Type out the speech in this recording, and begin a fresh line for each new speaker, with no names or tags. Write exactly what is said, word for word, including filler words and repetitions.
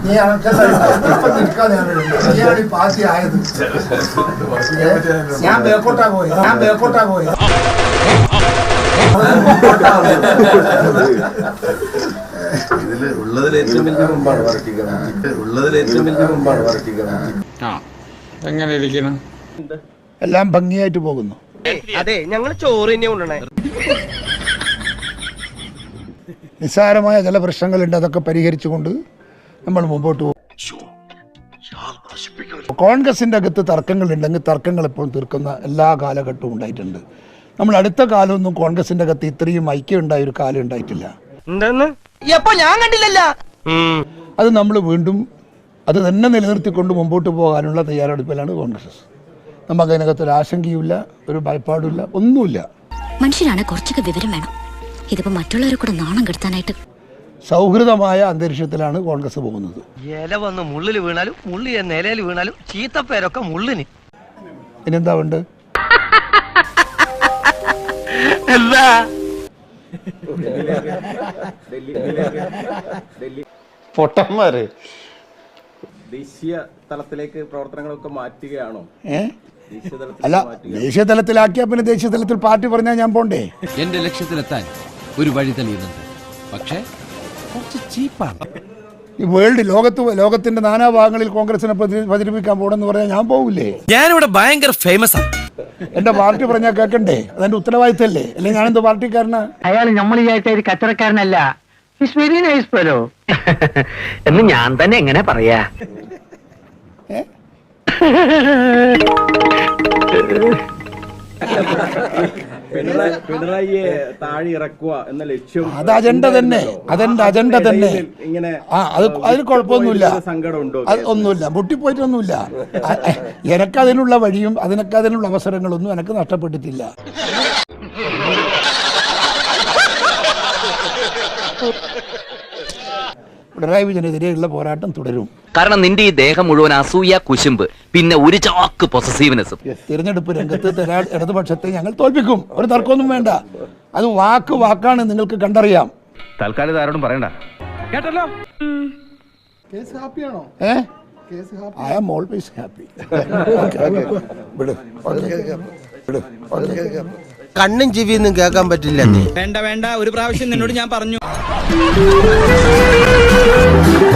നീ നീയാണ് ഈ പാർട്ടി ആയത്. ഞാൻ ബേക്കോട്ടാ പോയി ഞാൻ ബേക്കോട്ടാ പോയി
ഇതില് ഉള്ളതിൽ ഏറ്റവും വലിയ മുമ്പാണ് വർക്കിക്കുന്നത് ഉള്ളതിൽ ഏറ്റവും വലിയ മുമ്പാണ് വർക്കിക്കുന്നത്.
ആ എങ്ങനെ ഇരിക്കണം?
എല്ലാം ഭംഗിയായിട്ട് പോകുന്നു.
അതെ ഞങ്ങൾ ചോറ് തന്നെ കൊണ്ടുവന്നേ.
നിസ്സാരമായ ചില പ്രശ്നങ്ങളുണ്ട്, അതൊക്കെ പരിഹരിച്ചുകൊണ്ട് നമ്മൾ മുമ്പോട്ട് പോകും. കോൺഗ്രസിൻ്റെ അകത്ത് തർക്കങ്ങളുണ്ടെങ്കിൽ തർക്കങ്ങൾ എപ്പോഴും തീർക്കുന്ന എല്ലാ കാലഘട്ടവും ഉണ്ടായിട്ടുണ്ട്. നമ്മൾ അടുത്ത കാലമൊന്നും കോൺഗ്രസിൻ്റെ അകത്ത് ഇത്രയും ഐക്യം ഉണ്ടായ ഒരു കാലം ഉണ്ടായിട്ടില്ല.
ഞാൻ കണ്ടില്ലല്ല.
അത് നമ്മൾ വീണ്ടും അത് തന്നെ നിലനിർത്തിക്കൊണ്ട് മുമ്പോട്ട് പോകാനുള്ള തയ്യാറെടുപ്പിലാണ് കോൺഗ്രസ്. നമുക്ക് അതിനകത്ത് ഒരു ആശങ്കയുമില്ല, ഒരു ഭയപ്പാടുമില്ല, ഒന്നുമില്ല.
മനുഷ്യരാണ് കുറച്ചൊക്കെ വിവരം വേണം. ഇതിപ്പോ മറ്റുള്ളവരെ കൂടെ നാണം കെടുത്താനായിട്ട്
സൗഹൃദമായ അന്തരീക്ഷത്തിലാണ് കോൺഗ്രസ് പോകുന്നത്.
ഇല വന്ന് മുള്ളിൽ വീണാലും മുള്ളി നിലയിൽ വീണാലും ചീത്തപ്പേരൊക്കെ മുള്ളിന്.
ഇനിയെന്താ ഉണ്ട്?
പൊട്ടന്മാര് ദേശീയ തലത്തിലേക്ക് പ്രവർത്തനങ്ങളൊക്കെ മാറ്റുകയാണോ?
ഏ അല്ല, ദേശീയ തലത്തിലാക്കിയാ പിന്നെ ദേശീയ തലത്തിൽ പാർട്ടി പറഞ്ഞാൽ ഞാൻ പോണ്ടേ?
എന്റെ ലക്ഷ്യത്തിലെത്താൻ ഒരു വഴി തെളിയുന്നുണ്ട്, പക്ഷേ കുറച്ച് ചീപ്പാണ്.
ഈ വേൾഡ് ലോകത്ത് ലോകത്തിന്റെ നാനാഭാഗങ്ങളിൽ കോൺഗ്രസിനെ പ്രചരിപ്പിക്കാൻ പോകണമെന്ന് പറഞ്ഞാൽ ഞാൻ പോകില്ലേ?
ഞാനിവിടെ ഭയങ്കര ഫേമസ് ആണ്.
എന്റെ പാർട്ടി പറഞ്ഞാൽ കേൾക്കണ്ടേ? അതെന്റെ ഉത്തരവാദിത്തല്ലേ? അല്ലെങ്കിൽ ഞാനെന്തോ പാർട്ടിക്കാരനാ?
അയാൾ നമ്മൾ വിചാരിച്ച ഒരു കച്ചവടക്കാരനല്ല. വെരി നൈസ് ഫെലോ എന്ന് ഞാൻ തന്നെ എങ്ങനെ പറയാ?
പിണറായിയെ താഴെ ഇറക്കുക എന്ന ലക്ഷ്യം
അത് അജണ്ട തന്നെ, അതെന്റെ അജണ്ട തന്നെ.
ഇങ്ങനെ
ആ അത് അതിന് കുഴപ്പമൊന്നുമില്ല,
സങ്കടമുണ്ടോ?
അത് ഒന്നുമില്ല, പൊട്ടിപ്പോയിട്ടൊന്നുമില്ല. എനക്ക് അതിനുള്ള വഴിയും അതിനൊക്കെ അതിനുള്ള അവസരങ്ങളൊന്നും എനിക്ക് നഷ്ടപ്പെട്ടിട്ടില്ല. പിണറായി വിജയനെതിരെയുള്ള പോരാട്ടം തുടരും.
കാരണം നിന്റെ ഈ ദേഹം മുഴുവൻ അസൂയ, കുശുമ്പ്, പിന്നെ ഒരു ചാക്ക് പൊസസീവ്നെസ്സും.
തിരഞ്ഞെടുപ്പ് രംഗത്ത് ഇടതുപക്ഷത്തെ ഞങ്ങൾ തോൽപ്പിക്കും, ഒരു തർക്കമൊന്നും വേണ്ട. അത് വാക്ക് വാക്കാണ്, നിങ്ങൾക്ക് കണ്ടറിയാം.
തൽക്കാലം ആരോടും പറയണ്ട കേട്ടല്ലോ.
ഏ ഐ ആം ഓൾവേസ് ഹാപ്പി.
കണ്ണും ചെവിയൊന്നും കേൾക്കാൻ പറ്റില്ല.
വേണ്ട വേണ്ട, ഒരു പ്രാവശ്യം നിന്നോട് ഞാൻ പറഞ്ഞു.